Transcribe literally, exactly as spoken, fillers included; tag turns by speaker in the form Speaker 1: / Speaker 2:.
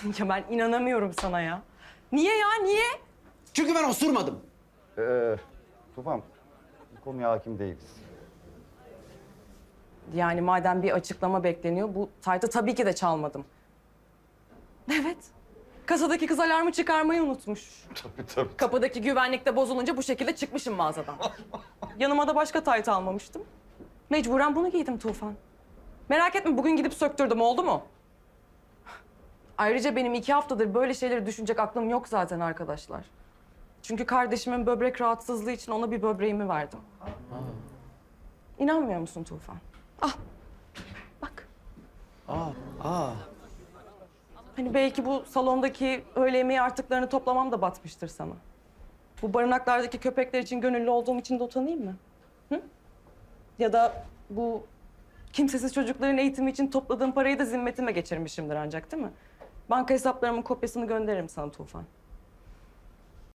Speaker 1: Ya ben inanamıyorum sana ya. Niye ya, niye?
Speaker 2: Çünkü ben osurmadım.
Speaker 3: Ee, Tufan, bu konuya hakim değiliz.
Speaker 1: Yani madem bir açıklama bekleniyor, bu taytı tabii ki de çalmadım. Evet. Kasadaki kız alarmı çıkarmayı unutmuş.
Speaker 3: Tabii tabii.
Speaker 1: Kapıdaki güvenlik de bozulunca bu şekilde çıkmışım mağazadan. Yanıma da başka tayt almamıştım. Mecburen bunu giydim Tufan. Merak etme, bugün gidip söktürdüm, oldu mu? Ayrıca benim iki haftadır böyle şeyleri düşünecek aklım yok zaten arkadaşlar. Çünkü kardeşimin böbrek rahatsızlığı için ona bir böbreğimi verdim. İnanmıyor musun Tufan? Ah, bak.
Speaker 2: Aa, aa.
Speaker 1: Hani belki bu salondaki öğle yemeği artıklarını toplamam da batmıştır sana. Bu barınaklardaki köpekler için gönüllü olduğum için de utanayım mı? Hı? Ya da bu kimsesiz çocukların eğitimi için topladığım parayı da zimmetime geçirmişimdir ancak, değil mi? Banka hesaplarımın kopyasını gönderirim sana Tufan.